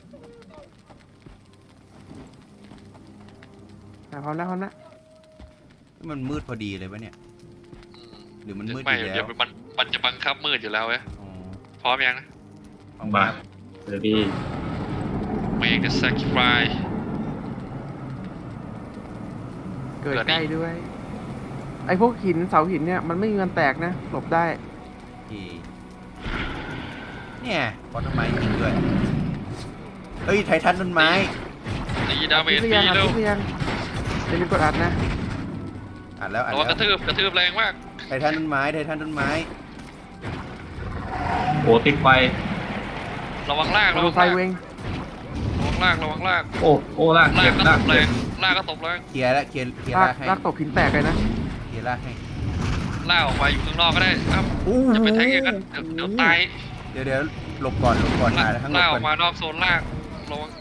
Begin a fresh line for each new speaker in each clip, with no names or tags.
พร้อมแล้วพร้อมแล้ว
มันมืดพอดีเลยวะเนี่ยหรือมันมืดอ
ไม่
ยู่แล้
เดี๋ยว
ว
มันจะบังคับมืดอยู่แล้วเว้ย
อ๋อ
พร้อมยังนะ
เอา
มา
มา
เดี๋ยวพี่
Make the sacrifice
เกิดใกล้ด้วย ไอ้พวกหินเสาหินเนี่ยมันไม่มีวันแตกนะหลบได้
ที่เนี่ยพอต้นไม้จริงด้วยเฮ้ยไททันต้นไม้
ตีดาเม
อัด
จ
หรือ
ฟรี
ยังอัด
เร็ว
หรือยังอย่าลืมกดอัดนะ
อัดแล้วอัด
ระวังก
แล้
ระ
ว
ทืบแรงมาก
ไททันต้นไม้ไททันต้นไม้
โอ้ติดไฟ
ระวังลากระ
ดู
วัง
ไฟ
ลาก
เวง
ระวังลาก
โอ้ลาก
ลา
เจ็
ก
บ
ก็
ลา
ต
ก
บแร
เจ็
ง
บ
ลากก็ตบแรง
เคลียร์แล้วเคลียร์
ลาก
ลากให้
ลากตกหินแตกเลยนะ
เคลียร์ลากให้
ลากออกไปอยู่ข้างนอกก็ได้ครับจะไปแทงอย่างนั้นเดี๋ยวตาย
เดี๋ยวหลบก่อนหาทั้งหล
ลา
บ
กอ
ก่
อน กมานอกโซนลากระวัง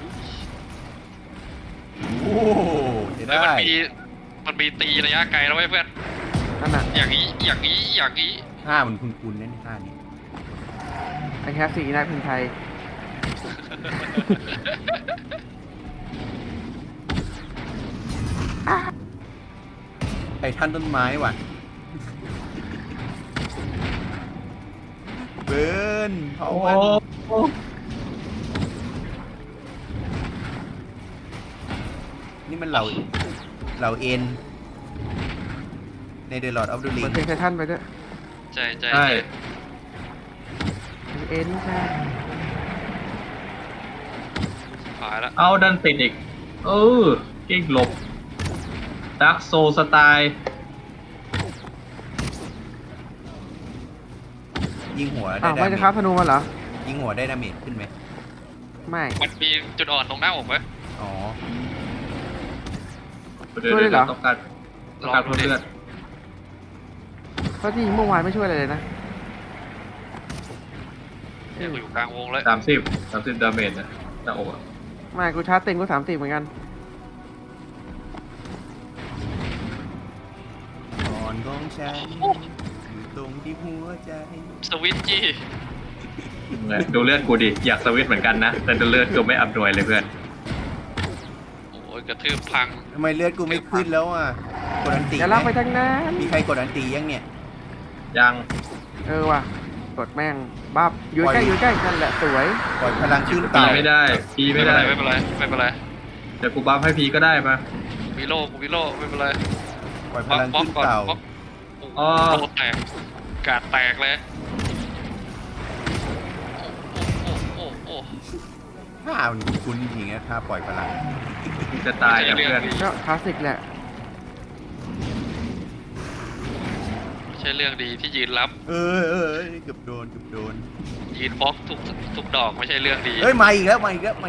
โอ้จะ
เฮ้ย
ได้
มันมีตีระยะไกลแล้วเว้ยเพื่อน
นั่นน่ะ
อย่างนี้อย่างนี้อย่างนี้
ห้ามันคุ้นๆนั่นห้านี่
ไอ้แคสซี่นักพินไทย
ไททันต้นไม้ว่ะเบิร์นเผา
โอ้
มัน
โอ้
นี่มันเหล่าเอ็นใน The Lord of the
เปิด
Ring
เพลงไททันไปด้วย
ใช่
ใช่
เอ็นใช่
ผ่านแล้ว
เอาดันติดอีกเก่งหลบดักโซสไตล์
ยิงหัวได้
อ้าว
ดา
ไม่
เม
จะครับธ
จ
นูมันเหรอ
ยิงหัวได้ดาเมจขึ้นไหม
ไม่
มันมีจุดอ่อนตรงหน้าอกไหม
อ๋อ
ต้องการเพิ่มเลือด
เพราะที่เมื่อวานไม่ช่วยอะไรเลยนะ
เนี่ยกูอยู่กลางวงแล้ว
30 ดาเมจนะหน้าอกอะ
ไม่กูชาร์จเต็มกู30เหมือนกัน
ก่อนของฉันอยู่ตรงที่หัวใจ
สวิตช์จี้
ดูเลือดกูดิอยากสวิตช์เหมือนกันนะแต่ดูเลือดกูไม่อัพหน่วยเลยเพื่อน
โอ้ยกระทืบพัง
ทำไมเลือดกูไม่ขึ้นแล้วอ่ะกดอันตี
อย่าลากไปทางนั้น
มีใครกดอันตียังเนี่ย
ยัง
ว่ะกดแม่งบับอยู่ใกล้อยู่ใกล้นั่นแหละสวย
ปล่อยพลังขึ้น
พี
เต่า
ไม่ได้พีไม่ได้
ไม่เป็นไร
เดี๋ยวกูบัฟให้พีก็ได้มา
มีโล่ไม่เป็นไร
ปล่อยพ
บล็อก
ลัง
บล็อก
ขึ้น
ก่อน
เต่า
บล็อก
อ๋อ
โล่แตกกาดแตกเลยโอ้
ถ้ามันคุ้นจริงๆนะถ้าปล่อยพลัง
กูจะตายกับเพื่อน
ก็คลาสสิกแหละ
ไม่ใช่เรื่องดีที่ยืนรับ
เเกือบโดน
ยืนบล็อกทุกดอกไม่ใช่เรื่องดี
เฮ้ยมาอีกแล้ว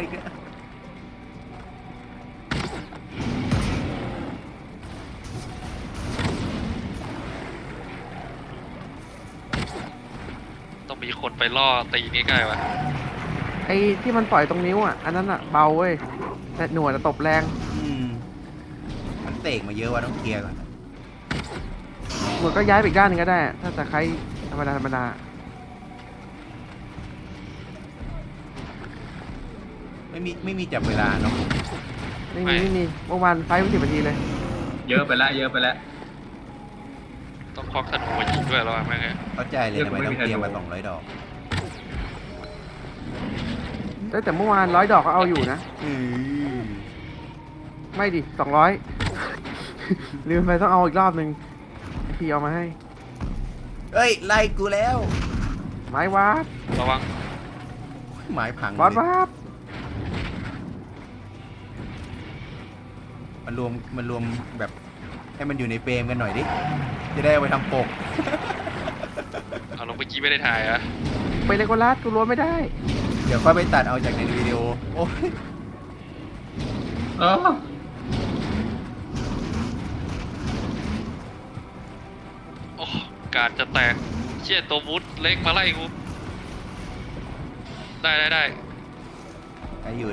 ต้องมีคนไปล่อตีนี่ใกล้วะ
ไอ้ที่มันปล่อยตรงนิ้วอ่ะอันนั้นอ่ะเบาเว้ยแต่หน่วยจะตบแรง
มันเตกมาเยอะว่ะต้องเคลียร์ก่อน
หน่วยก็ย้ายไปอีกด้านหนึงก็ได้ ถ้าจะใครธรรมดา
ไม่มีจับเวลาเนาะ
ไม่มีเมื่อวานไฟไม่10 นาทีเลย
เยอะไปแล้ว
ต้องควักธนูมายิงด้วยแล้วแม่ง
เข้าใจเลยทำไมต้องเคลียร์มา200 ดอก
แต่เมื่อวาน100 ดอกก็เอาอยู่นะ ไม่ดิ200 ลืมไปต้องเอาอีกรอบหนึ่งพี่เอามาให้
เฮ้ยไล่กูแล้ว
ไม้วาด
ระวัง
หมายพัง
บอส
เลยว
าด
มันรวมแบบให้มันอยู่ในเฟรมกันหน่อยดิจะได้เอาไปทำปก
เอาลงเมื่อกี้ไม่ได้ถ่ายอะ
ไปเลโกลัสกูรู้ไม่ได้
เดี๋ยวค่อยไปตัดเอาจากในวิดีโอโอ้ย
เออ
โอ้การจะแตกเชี่ยตัวมุดเล็กมาไล่กูได้
ได้อยู่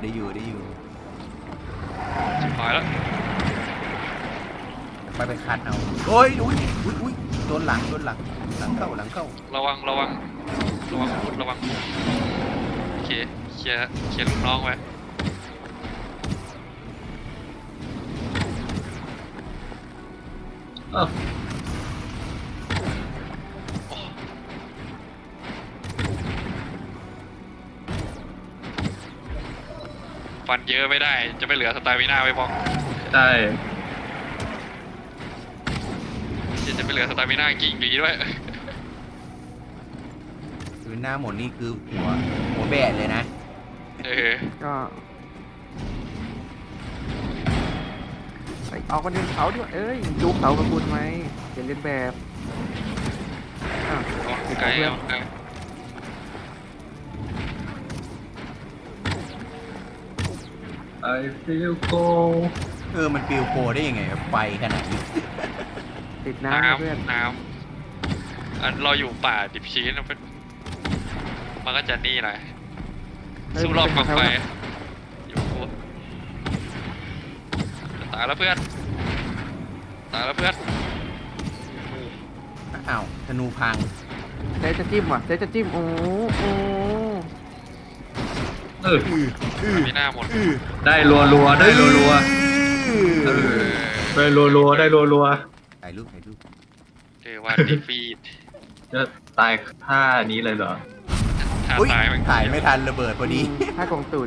ชิบหายแล้ว
ไปคัดเอาโอ้ยอุ้ยโดนหลังเข้า
ระวังอาวุธระวังโอเคเคเคลียร์ลูกน้องไว้
เออ
ฟันเยอะไม่ได้จะไม่เหลือสไตล์วิน่าไว้บอก
ใช่
จะไม่เหลือสไตล์วิน่ากิ่งดีด้วย
คือหน้าหมดนี่คือหัวแบะเลยนะ
ก็เอากันเดินเขาด้วยเอ้ยดูเขากับคุณไหมอย่าเล่นแบบอ้าว
เอาไกลเอาไกล
ไอฟิลโก
มันปิวโปรได้ยังไงครับไฟขนาดนี้
ติดน้ำนะเพื่อน
น้ำอันเราอยู่ป่าดิบชื้นมันก็จะนี่หน่อยสู้รอบกองไฟอยู่กูตายแล้วเพื่อนตายแล้วเพื่อน
อ้าวธนูพัง
เจ๊จะจิ้มว่ะเจ๊จะจิ้มโอ้โอ้
เออ
มีหน้าหมด
ได้รัวๆได้รัว
เออ
ๆได้รัวๆได้รัว
ถ่ายรูป
เจอว่าดีฟีด
ๆจะตายท่านี้เลยเหรอ
ถ้า
อุ้ย
ตายมัน
ถ่ายไม่ทันระเบิดพอดี
ถ้ากองตูด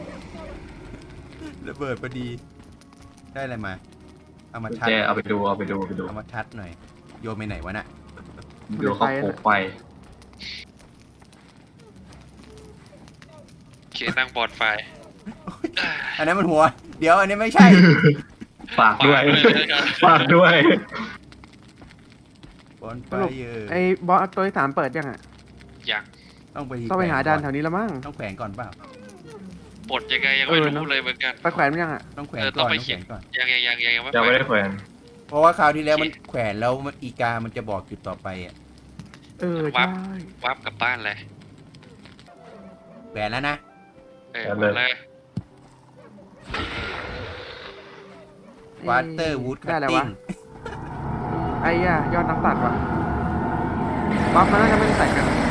ระเบิดพอดี ได้อะไรมา เอามาชัด
เจเอาไปดู
เอามาชัดหน่อย โยนไปไหนวะน่ะ
ดูเขาโขกไฟ
เคนั่งบอลไฟ
อันนั้นมันหัว เดี๋ยวอันนี้ไม่ใช่
ฝากด้วย
เลยกัน
ฝากด้วย
บอลไฟ
สรุป
เยอ
ไอ้บอสตัวที่3เปิดยังอ่ะ
ยัง
ต้องไป
ต้องไปหาด่านแถวนี้แล้วมั้ง
ต้องแขวนก่อนเปล่า
ปลดยังไงยังไม่
เออเน
รู้
อะ
เลยเหมือนกัน
ไปแขวนมันยังอ่ะ
ต้องแขวน
เออ
ก่
ต้
อ
อน งไป
ต้อง
เขี
แข
ยน
วนก่อน
ยังไม่
ยังไม่ได้
แข
แขวน
เพราะว่าคราวที่แล้วมันแขวนแล้วอีกามันจะบอกจุดต่อไปอ่ะ
เออใช่
วับกลับบ้านเลย
แขวนแล้วนะ
หมดเลย
วาเตอร์วูดคั
ได้
ต
แล้ว
ติ้
วะ
ง
ไอ้ย่ายอดนักตัดว่ะบัฟมันน่าจะไม่ได้ใส่กัน